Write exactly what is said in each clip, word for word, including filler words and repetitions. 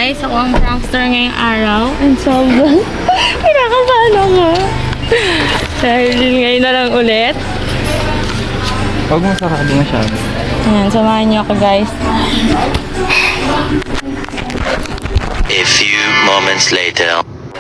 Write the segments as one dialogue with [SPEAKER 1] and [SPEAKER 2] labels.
[SPEAKER 1] guys, ako ang prankster ngayong araw. And sobrang pinakabahan ako. Dahil ngayon na lang ulit.
[SPEAKER 2] Huwag mo sarado masyado.
[SPEAKER 1] Ayan, samahan niyo ako guys.
[SPEAKER 3] A few moments later.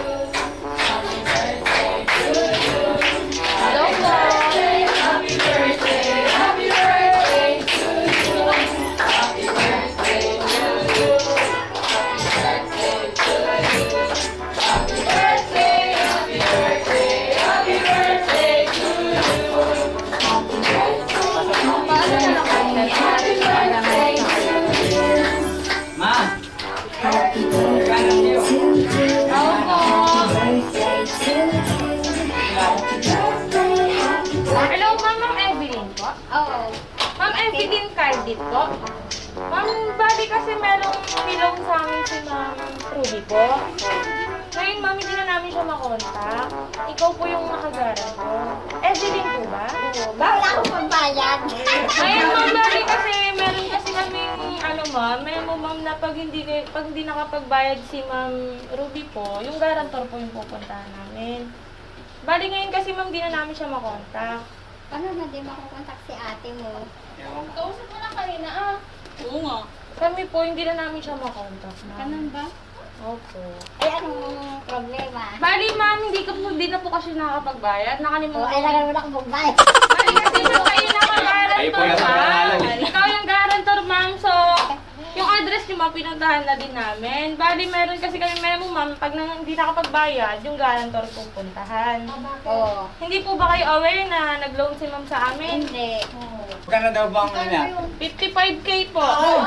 [SPEAKER 1] Hello, Ma'am, Ma'am Evelyn po? Oo. Ma'am Evelyn Cardit po? Ma'am, bali kasi merong nilong sa amin si Ma'am Ruby po. Ngayon, Ma'am, hindi na namin siya makontak. Ikaw po yung nakagaran ko. Evelyn po ba? Oo.
[SPEAKER 4] Ba, wala akong pambayad.
[SPEAKER 1] Ngayon, Ma'am, bali kasi meron kasi kaming, ano Ma'am, may mo Ma'am na pag hindi, pag hindi nakapagbayad si Ma'am Ruby po, yung garantor po yung pupuntahan namin. Bali ngayon kasi Ma'am, di na namin siya makontak.
[SPEAKER 4] Paano na di makukontak si ate mo?
[SPEAKER 1] Kausap mo lang kanina ah. Oo nga. Kami po, hindi na namin siya makontak.
[SPEAKER 4] Ganun ba?
[SPEAKER 1] Opo.
[SPEAKER 4] Ay, anong problema?
[SPEAKER 1] Bali ma'am, hindi, ka po, hindi na po kasi nakakapagbayad.
[SPEAKER 4] O,
[SPEAKER 1] Nakalimutan.
[SPEAKER 4] ay, lang wala akong pambayad.
[SPEAKER 1] Bali kasi po kayo nakagarantor ma'am. Ikaw yung garantor ma'am. So, yung address niyo ma'am, pinuntahan na din namin. Bali, meron kasi kami memo ma'am, pag nang, hindi nakapagbayad, yung garantor pupuntahan.
[SPEAKER 4] Oo.
[SPEAKER 1] Hindi po ba kayo aware na nag-loan si ma'am sa amin?
[SPEAKER 4] Hindi.
[SPEAKER 2] Magkano daw ba ang ano niya?
[SPEAKER 1] fifty-five K po.
[SPEAKER 4] Ay,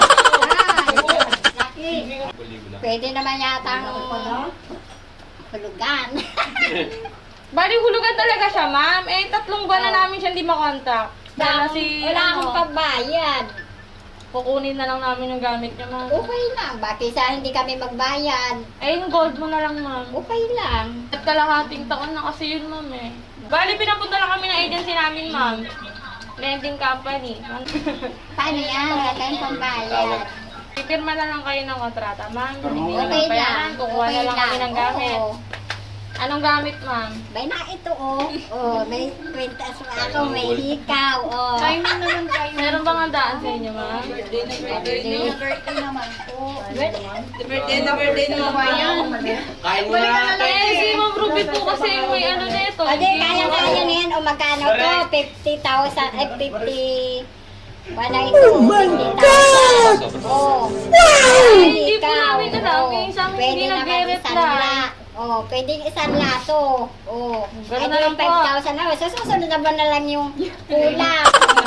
[SPEAKER 4] laki. Pwede naman yata ang hulugan.
[SPEAKER 1] Bali, hulugan talaga siya, ma'am. Eh, tatlong buwan na namin siya hindi makontak. Dahil na si,
[SPEAKER 4] Wala akong
[SPEAKER 1] ano,
[SPEAKER 4] pambayad.
[SPEAKER 1] kukunin na lang namin yung gamit niya, ma'am.
[SPEAKER 4] Okay lang. Bakit sa hindi kami magbayad?
[SPEAKER 1] Eh, yung gold mo na lang, ma'am.
[SPEAKER 4] Okay lang.
[SPEAKER 1] At kalahating taon na kasi yun, ma'am, eh. Bali, pinapunta lang kami ng agency namin, ma'am. Lending company.
[SPEAKER 4] Paano yan? Wala tayong pambayad.
[SPEAKER 1] Pipirma na lang kayo ng kontrata, ma'am. Hindi
[SPEAKER 4] Okay
[SPEAKER 1] naman pa yan.
[SPEAKER 4] lang.
[SPEAKER 1] Kukuha
[SPEAKER 4] Okay
[SPEAKER 1] na lang kami
[SPEAKER 4] lang.
[SPEAKER 1] ng gamit.
[SPEAKER 4] Oo.
[SPEAKER 1] Anong gamit, ma'am?
[SPEAKER 4] Bay na ito, oh. Oh, may kwintas ako, may hikaw, oh.
[SPEAKER 1] Timing naman kayo. Meron bang handaan sa inyo, ma'am?
[SPEAKER 4] Birthday naman po.
[SPEAKER 5] Birthday na birthday naman ba yan?
[SPEAKER 2] Kain mo na.
[SPEAKER 1] Eh, si Ma'am Ruby po kasi may ano nito.
[SPEAKER 4] O, di, kaya-kaya na yan. O, magkano to? fifty thousand, ay, fifty... Wala ito. Oh my God! Oh.
[SPEAKER 1] Eh, hindi po
[SPEAKER 4] Ikaw.
[SPEAKER 1] namin alam.
[SPEAKER 4] Oh.
[SPEAKER 1] Yung sa amin
[SPEAKER 4] Pwede
[SPEAKER 1] hindi
[SPEAKER 4] naman
[SPEAKER 1] nag-reply.
[SPEAKER 4] isang la. Oh, pwedeng isang lato. Oh.
[SPEAKER 1] Ganun
[SPEAKER 4] Ay,
[SPEAKER 1] na lang po.
[SPEAKER 4] five thousand na. So, susunod na ba na lang yung kulang?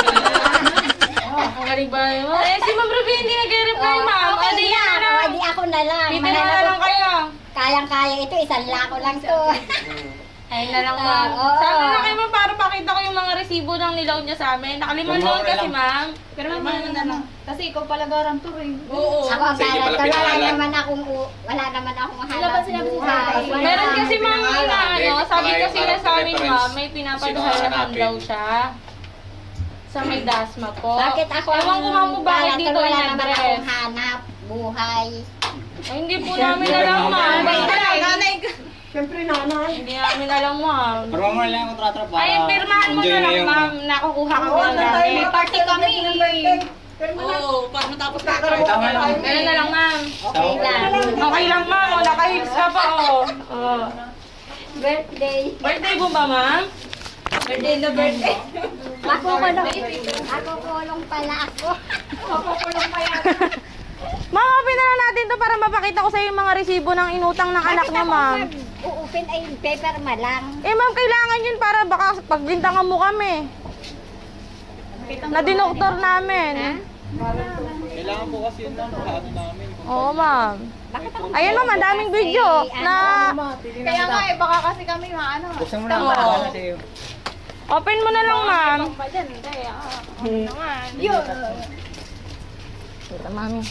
[SPEAKER 1] Ang galing ba yun? Eh, si Ma'am Ruby hindi nag-reply,
[SPEAKER 4] Oh,
[SPEAKER 1] ma'am.
[SPEAKER 4] okay
[SPEAKER 1] Adi
[SPEAKER 4] lang.
[SPEAKER 1] na.
[SPEAKER 4] O, di ako na lang.
[SPEAKER 1] Pipirma na
[SPEAKER 4] Mahanap
[SPEAKER 1] lang
[SPEAKER 4] ko-
[SPEAKER 1] kayo.
[SPEAKER 4] Kayang-kaya ito. Isang lako lang to.
[SPEAKER 1] Ayun na lang, ma'am.
[SPEAKER 4] Ah, oo.
[SPEAKER 1] Sabi na kayo, ma'am, para pakita ko yung mga resibo ng nilaw niya sa amin. Nakalimang
[SPEAKER 2] Pirma
[SPEAKER 1] loan
[SPEAKER 2] mo na
[SPEAKER 1] kasi,
[SPEAKER 2] lang.
[SPEAKER 1] ma'am.
[SPEAKER 5] Pero naman na lang. Kasi ikaw pala garantor eh.
[SPEAKER 1] Oo.
[SPEAKER 4] Ako ang
[SPEAKER 2] Sige,
[SPEAKER 4] karat.
[SPEAKER 2] pala
[SPEAKER 4] Wala
[SPEAKER 2] pinangalan.
[SPEAKER 4] naman akong, wala naman akong
[SPEAKER 5] Wala
[SPEAKER 4] hanap
[SPEAKER 5] ba sinabi si
[SPEAKER 4] buhay.
[SPEAKER 5] tatay?
[SPEAKER 4] Wala.
[SPEAKER 1] Meron kasi, ma'am, na ano, sabi
[SPEAKER 2] Ay,
[SPEAKER 1] kasi na
[SPEAKER 2] parang
[SPEAKER 1] sa amin,
[SPEAKER 2] reference.
[SPEAKER 1] ma'am, may
[SPEAKER 2] Sino
[SPEAKER 1] pinapadahalahan
[SPEAKER 2] hanapin?
[SPEAKER 1] daw siya. Sa may dasma po.
[SPEAKER 4] Bakit ako
[SPEAKER 1] Ewan ko, ma'am, kung bakit
[SPEAKER 4] karat,
[SPEAKER 1] dito
[SPEAKER 4] wala
[SPEAKER 1] yung
[SPEAKER 4] naman
[SPEAKER 1] address.
[SPEAKER 4] akong hanap buhay.
[SPEAKER 1] Ay, hindi po namin alam, ma'am.
[SPEAKER 5] Nanay,
[SPEAKER 1] Basta,
[SPEAKER 5] nanay ka. Siyempre nanay.
[SPEAKER 1] hindi namin alam, ma'am.
[SPEAKER 2] Pirma mo na lang yung kontrata para
[SPEAKER 1] Ay, pirmahan mo
[SPEAKER 2] enjoy
[SPEAKER 1] na lang,
[SPEAKER 2] yung-
[SPEAKER 1] ma'am. Nakukuha kami
[SPEAKER 5] Oo,
[SPEAKER 1] ng
[SPEAKER 5] nanay,
[SPEAKER 1] gamit.
[SPEAKER 5] may party kami. Oo, para matapos na
[SPEAKER 2] Ay, tama lang.
[SPEAKER 1] Ganun na lang, ma'am.
[SPEAKER 4] Okay lang.
[SPEAKER 1] Okay lang, ma'am. O, naka-heels ka pa, oh. Oh.
[SPEAKER 4] Birthday.
[SPEAKER 1] Birthday mo ba, ma'am?
[SPEAKER 5] Birthday na birthday.
[SPEAKER 4] Ako kulong. Ako kulong pala ako. Ako kulong pa yan.
[SPEAKER 1] Ma'am, open na lang natin to para mapakita ko sa yung mga resibo ng inutang ng anak niya, ma'am.
[SPEAKER 4] Uupin ay paper ma lang.
[SPEAKER 1] Eh, ma'am, kailangan yun para baka pagbintangan mo kami. Na dinoktor namin.
[SPEAKER 2] Kailangan po kasi yun lang. Lahat namin.
[SPEAKER 1] Oo, ma'am.
[SPEAKER 4] Bakit ako?
[SPEAKER 1] Ayun, ma'am, ang daming video na
[SPEAKER 5] Kaya nga eh, baka kasi kami maano.
[SPEAKER 2] Buksan mo na.
[SPEAKER 1] Oo.
[SPEAKER 2] Wala sa'yo.
[SPEAKER 1] open mo na lang, ma'am.
[SPEAKER 5] Pa dyan, hindi ah.
[SPEAKER 4] Yun.
[SPEAKER 1] Ito, mami.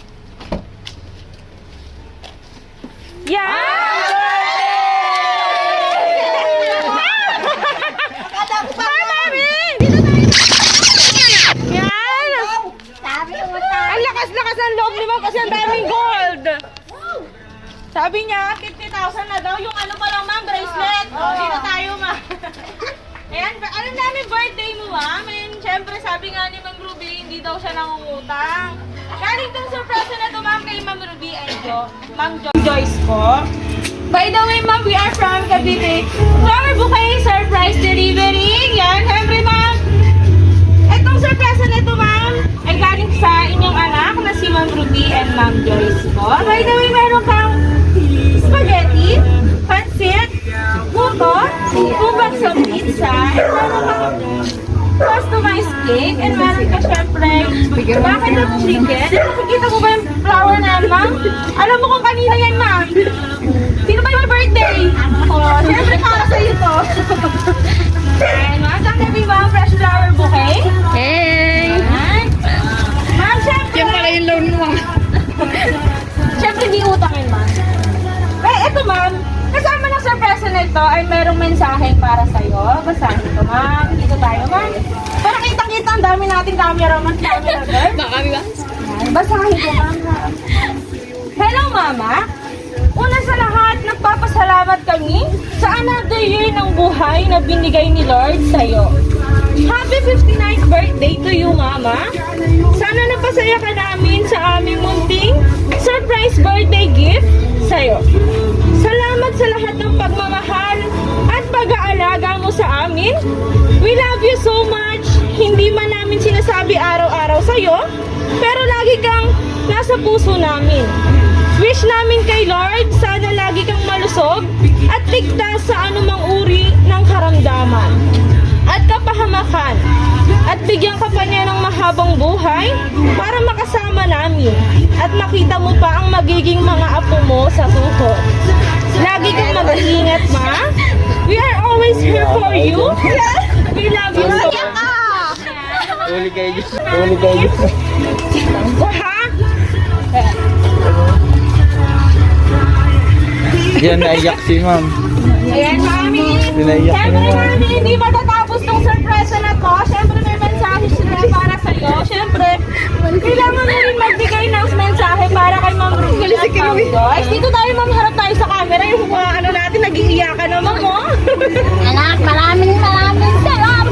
[SPEAKER 1] Yan! Hi, mami! Yan!
[SPEAKER 4] Sabi mo sa...
[SPEAKER 1] Ang lakas-lakas ng loob ni ma'am kasi ang daming gold. Sabi niya, fifty thousand na daw. Yung ano pa lang, ma'am, bracelet. Oh, dito tayo, ma'am. Ayan, alam namin birthday mo, ma'am. And syempre, sabi nga ni Ma'am Ruby, hindi daw siya nangungutang. Galing tong surprise na to, ma'am, kay Ma'am Ruby and Jo. Ma'am Jo Joyce po. By the way, ma'am, we are from Cavite. Flower bouquet surprise delivery. Yan, syempre, ma'am. Itong surprise na ito, ma'am, ay galing sa inyong anak na si Ma'am Ruby and Ma'am Joyce po. By the way, meron kang spaghetti, pansit, puto, two bags of pizza, and meron kang customized cake, and meron ka syempre bakit ng chicken. And nakikita mo ba yung flower na yan, ma'am? Alam mo kung kanina yan, ma'am? Sino ba yung birthday? Oh, syempre para sa'yo to. And ma'am, thank you, ma'am, fresh flower bouquet.
[SPEAKER 5] Hey!
[SPEAKER 1] Ayan. Ma'am, syempre.
[SPEAKER 5] Yan pala yung loan mo.
[SPEAKER 1] Syempre, di utang yun, ma'am. Eh, eto, ma'am. Kasama ng surprise na ito ay merong mensahe para sa'yo. Basahin ito, ma'am. Dito tayo, ma'am. Para kitang-kita ang dami nating cameraman, camera girl.
[SPEAKER 5] Baka ba?
[SPEAKER 1] Ayan, basahin ko, ma'am. Hello, mama. Una sa lahat, nagpapasalamat kami sa another year ng buhay na binigay ni Lord sa'yo. Happy fifty-ninth birthday to you, Mama. Sana napasaya ka namin sa aming munting surprise birthday gift sa'yo. Salamat sa lahat ng pagmamahal at pag-aalaga mo sa amin. We love you so much. Hindi man namin sinasabi araw-araw sa'yo, pero lagi kang nasa puso namin. Wish namin kay Lord, sana lagi kang malusog at ligtas sa anumang uri ng karamdaman at kapahamakan. At bigyan ka pa niya ng mahabang buhay para makasama namin at makita mo pa ang magiging mga apo mo sa susunod. Lagi kang mag-iingat, ma. We are always here for you. We love you so much.
[SPEAKER 2] Uli kayo dyan. Uli kayo dyan.
[SPEAKER 1] Ha?
[SPEAKER 2] Diyan naiyak si ma'am.
[SPEAKER 1] Ayan, mami.
[SPEAKER 2] Pinaiyak
[SPEAKER 1] Siyempre,
[SPEAKER 2] naman.
[SPEAKER 1] mami, hindi matatapos tong surprise na to. Siyempre, may mensahe sila para sa'yo. Siyempre, kailangan mo rin magbigay ng mensahe para kay Ma'am Ruby at Ma'am Joyce. Dito tayo, ma'am, harap tayo sa camera. Yung mga ano natin, nag-iiyakan naman mo.
[SPEAKER 4] Anak, maraming maraming salamat.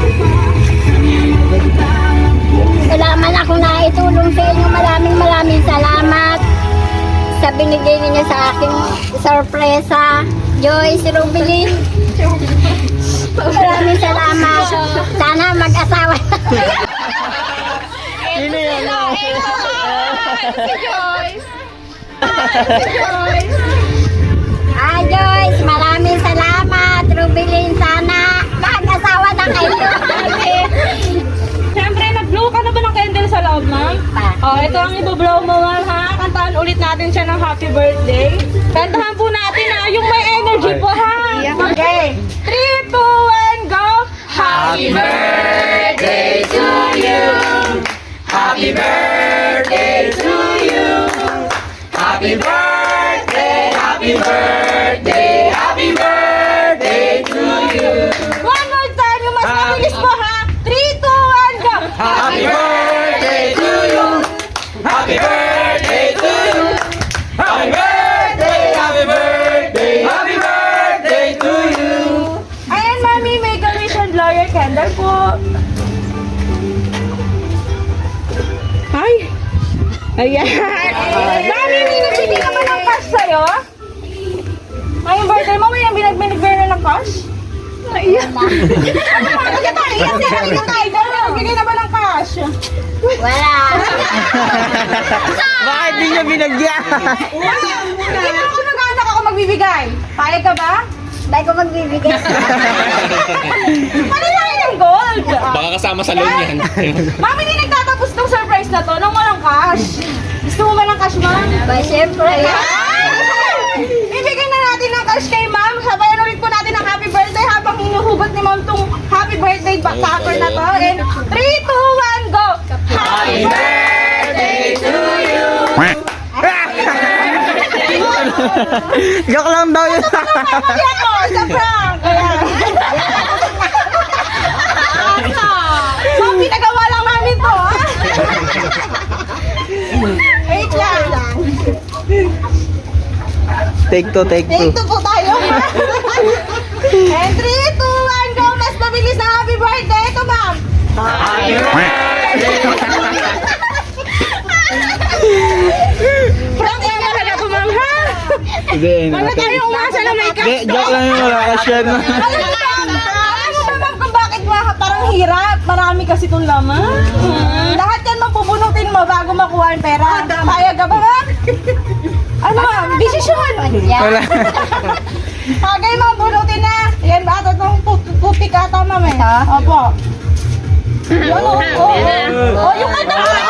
[SPEAKER 4] Wala man ako naitulong sa inyo. Maraming maraming salamat sa binigay ninyo sa aking sorpresa. Joyce, Rubilin. Maraming salamat. Sana mag-asawa.
[SPEAKER 2] Sino yan?
[SPEAKER 1] Si Joyce. Si Joyce.
[SPEAKER 4] Ah, Joyce, maraming salamat. Rubilin, sana mag-asawa na kayo.
[SPEAKER 1] Siyempre, nag-blow ka na ba ng candle sa loob, ma'am?
[SPEAKER 4] Pa.
[SPEAKER 1] Oh, ito ang ibablow mo, ma'am, ha? Kantahan ulit natin siya ng happy birthday. Kantahan po natin, ha? Yung may energy po, ha? Okay. three, two, one, go! Happy birthday to you! Happy birthday to you! Happy birthday! Happy birthday! Happy birthday to you! One more time, yung mas mabilis po, ha? three, two, one, go!
[SPEAKER 2] Happy birthday to you! Happy birthday to you! Happy birthday! Happy birthday! Happy birthday to you!
[SPEAKER 1] Ayan, mami, may commission lawyer candle po. Ay! Ayan! Mami, may nagbili ka ba ng cash sa'yo? Ngayong birthday mo, may binagbinigay na ng cash? Ayan! Ano ba? Kasi tayo, kasi halika tayo. Dahil nagbigay na ba ng cash?
[SPEAKER 4] Wala.
[SPEAKER 2] Bakit di niya binagyan?
[SPEAKER 1] Hindi mo ako nag-anak ako magbibigay. Payag ka ba?
[SPEAKER 4] Ba't ko magbibigay?
[SPEAKER 1] Ano tayo ng gold?
[SPEAKER 6] Baka kasama sa loan yan.
[SPEAKER 1] Mami, hindi nagtatapos tong surprise na to nang walang cash. Gusto mo ba ng cash, ma'am?
[SPEAKER 4] Ba, syempre.
[SPEAKER 1] Ibigay na natin ng cash kay ma'am. Sabayan ulit po natin ang happy birthday habang hinuhugot ni ma'am tong happy birthday backer na to. And three, two, one, go! Happy birthday to you!
[SPEAKER 2] Joke lang daw yun.
[SPEAKER 1] Hindi ako, sa prank! Kaya... So, pinagawa lang namin to, ha? Wait lang.
[SPEAKER 2] Take two, take two.
[SPEAKER 6] Take two po tayo. And three, two, one, go. Mas mabilis na happy birthday. Ito, ma'am.
[SPEAKER 2] Happy birthday!
[SPEAKER 6] Prank yan talaga po, ma'am, ha?
[SPEAKER 2] Hindi,
[SPEAKER 6] Wala tayong umasa na may
[SPEAKER 2] Hindi, joke lang yun. Wala ka share na.
[SPEAKER 6] Alam mo ba, alam mo ba, ma'am, kung bakit ma- parang hirap? Marami kasi itong laman. Hmm. Lahat yan mapupunutin mo bago makuha ang pera. Kaya ka ba, ma'am? Ano, ma'am? Desisyon.
[SPEAKER 2] Wala.
[SPEAKER 6] Kagay, ma'am, bunutin na. Yan ba? Ito itong put- putik ata, ma'am, eh. Opo. Yan, oh, oh, oh. Oh, yung kanta mo.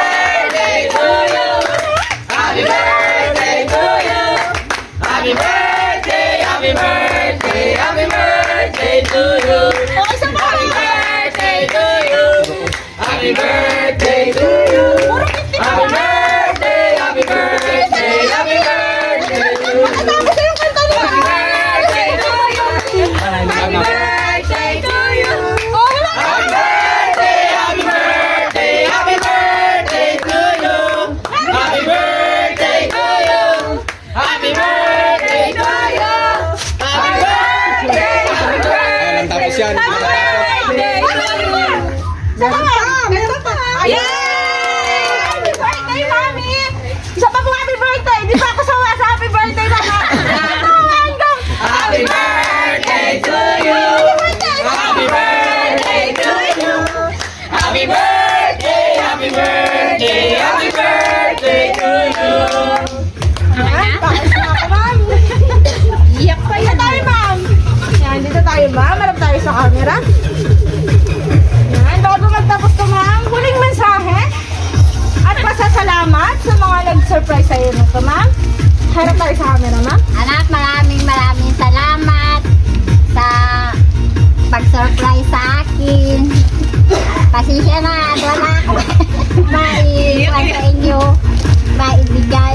[SPEAKER 2] Happy birthday to you. Happy birthday, happy birthday, happy birthday to you.
[SPEAKER 6] Oh, isa pa.
[SPEAKER 2] Happy birthday to you. Happy birthday to you. Happy birthday, happy birthday, happy birthday to you.
[SPEAKER 6] Tapos na yung kanta niya.
[SPEAKER 2] Happy birthday to you. Happy birthday to you.
[SPEAKER 6] Oh, wala.
[SPEAKER 2] Happy birthday, happy birthday, happy birthday to you. Happy birthday to you. Happy birthday to you. Happy birthday, happy birthday. Tapos yan.
[SPEAKER 6] Happy birthday to you. Salamat. Meron pa. Yay! Happy birthday, mami. Isa pa po happy birthday. Di pa ako sawa sa happy birthday, mama.
[SPEAKER 2] Happy birthday to you. Happy birthday to you. Happy birthday, happy birthday, happy birthday to you.
[SPEAKER 6] Pakis na ako, ma'am. Iyak pa yan. Dito tayo, ma'am. Yan, dito tayo, ma'am. Marap tayo sa camera. Yan, bago magtapos ko, ma'am, huling mensahe at pasasalamat sa mga nag-surprise sa'yo nito, ma'am. Harap tayo sa camera, ma'am.
[SPEAKER 4] Anak, maraming maraming salamat sa pag-surprise sa akin. Pasensya na at wala ako maiwan sa inyo, maibigay.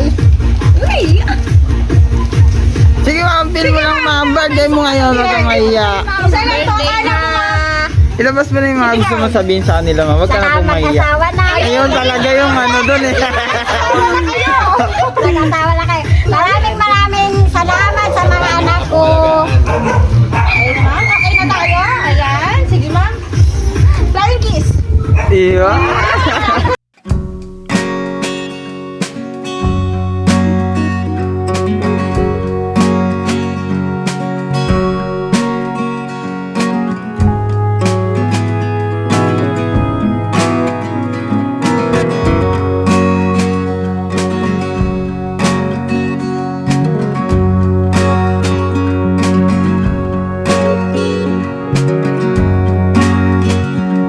[SPEAKER 2] Sige ma'am, feel mo lang ma'am. Birthday mo ngayon, huwag kang maiyak.
[SPEAKER 6] Isa lang to, kala mo, ma'am.
[SPEAKER 2] Ilabas mo na yung mga gusto mo sabihin sa kanila ma'am. Huwag ka na
[SPEAKER 4] Salamat
[SPEAKER 2] pumaiyak.
[SPEAKER 4] asawa na.
[SPEAKER 2] Ayun talaga yung ano dun eh.
[SPEAKER 4] Nag-asawa na kayo. Maraming maraming salamat sa mga anak ko.
[SPEAKER 6] Ay, ma'am, okay na tayo. Ayan, sige, ma'am. Flying kiss.
[SPEAKER 2] Iya.